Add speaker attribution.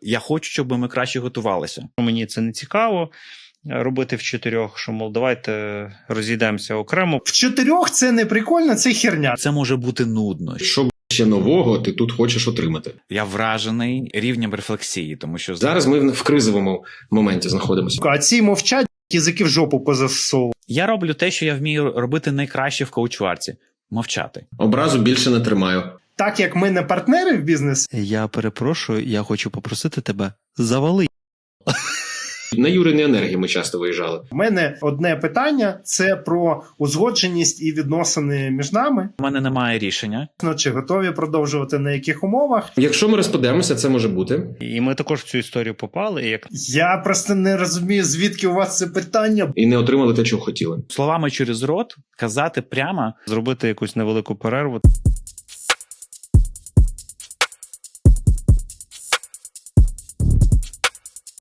Speaker 1: Я хочу, щоб ми краще готувалися. Мені це не цікаво робити в 4, що, мов, давайте розійдемося окремо.
Speaker 2: В 4 це не прикольно, це херня.
Speaker 1: Це може бути нудно.
Speaker 3: Що ще нового ти тут хочеш отримати?
Speaker 1: Я вражений рівнем рефлексії, тому що
Speaker 3: Зараз ми в кризовому моменті знаходимося.
Speaker 2: А ці мовчать, язики в жопу позасовували.
Speaker 1: я роблю те, що я вмію робити найкраще в коучварці – мовчати.
Speaker 3: Образу більше не тримаю.
Speaker 2: Так як ми не партнери в бізнесі,
Speaker 4: Я перепрошую, я хочу попросити тебе, завали.
Speaker 3: На Юриній енергії ми часто виїжджали.
Speaker 2: в мене одне питання – це про узгодженість і відносини між нами.
Speaker 1: У мене немає рішення.
Speaker 2: Чи готові продовжувати на яких умовах?
Speaker 3: Якщо ми розпадемося, це може бути.
Speaker 1: І ми також в цю історію попали. І як
Speaker 2: Я просто не розумію, звідки у вас це питання.
Speaker 3: І не отримали те, чого хотіли.
Speaker 1: словами через рот казати прямо,
Speaker 4: Зробити якусь невелику перерву.